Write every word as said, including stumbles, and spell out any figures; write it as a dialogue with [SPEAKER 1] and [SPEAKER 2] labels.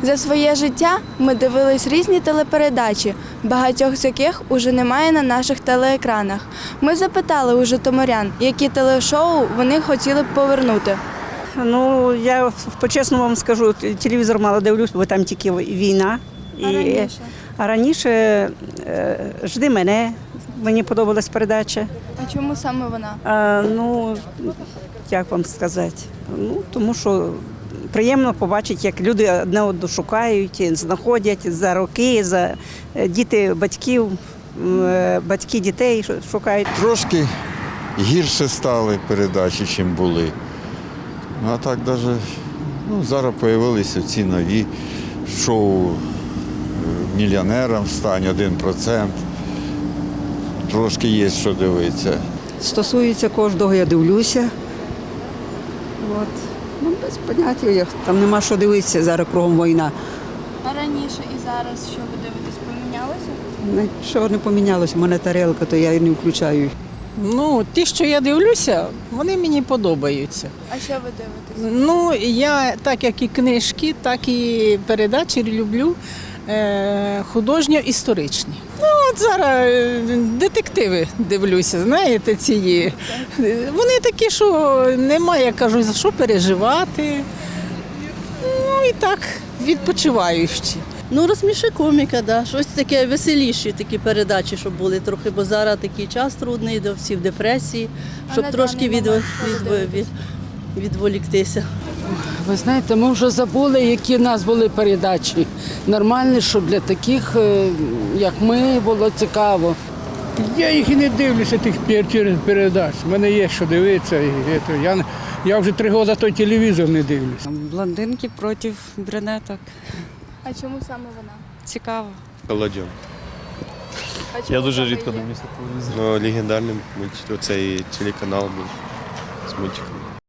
[SPEAKER 1] За своє життя ми дивились різні телепередачі, багатьох з яких уже немає на наших телеекранах. Ми запитали у житомирян, які телешоу вони хотіли б повернути.
[SPEAKER 2] Ну, я по-чесному вам скажу, телевізор мало дивлюсь, бо там тільки війна.
[SPEAKER 1] А раніше?
[SPEAKER 2] А раніше е, «Жди мене», мені подобалась передача.
[SPEAKER 1] А чому саме вона?
[SPEAKER 2] А, ну, як вам сказати, ну, тому що приємно побачити, як люди одне одного шукають, знаходять за роки, за діти батьків, батьки дітей шукають.
[SPEAKER 3] Трошки гірше стали передачі, ніж були. А так навіть ну, зараз з'явилися ці нові шоу «Мільйонером стань», один процент. Трошки є що дивитися.
[SPEAKER 4] Стосується кожного, я дивлюся. От. Ну, без поняття, як там нема що дивитися, зараз кругом війна.
[SPEAKER 1] А раніше і зараз, що ви дивитесь, помінялося?
[SPEAKER 4] Нічого не помінялося, в мене тарелка, то я її не включаю.
[SPEAKER 5] Ну, ті, що я дивлюся, вони мені подобаються.
[SPEAKER 1] А що ви дивитесь?
[SPEAKER 5] Ну, я так як і книжки, так і передачі люблю е, художньо-історичні. Ну, от зараз е, детективи дивлюся, знаєте, ці є. Вони такі, що немає, я кажу, за що переживати. Ну і так, відпочиваючі.
[SPEAKER 6] Ну, розсміши коміка, да. Щось таке веселіші такі передачі, щоб були трохи, бо зараз такий час трудний, де всі в депресії, щоб
[SPEAKER 1] на
[SPEAKER 6] трошки
[SPEAKER 1] даний
[SPEAKER 6] від,
[SPEAKER 1] момент що ви
[SPEAKER 6] від, від,
[SPEAKER 1] дивитесь?
[SPEAKER 6] відволіктися.
[SPEAKER 7] Ви знаєте, ми вже забули, які в нас були передачі. Нормальні, щоб для таких, е, як ми, було цікаво.
[SPEAKER 8] Я їх і не дивлюся, тих пер- передач. У мене є що дивитися. І це, я, я вже три роки той телевізор не дивлюся.
[SPEAKER 9] Блондинки проти брюнеток.
[SPEAKER 1] А чому саме вона?
[SPEAKER 9] Цікаво.
[SPEAKER 10] Колодьон.
[SPEAKER 1] А чому
[SPEAKER 10] Я дуже
[SPEAKER 1] саме
[SPEAKER 10] рідко
[SPEAKER 1] її?
[SPEAKER 10] дивлюся телевізор. Ну, легендарний мульт, оцей телеканал був з мультиками.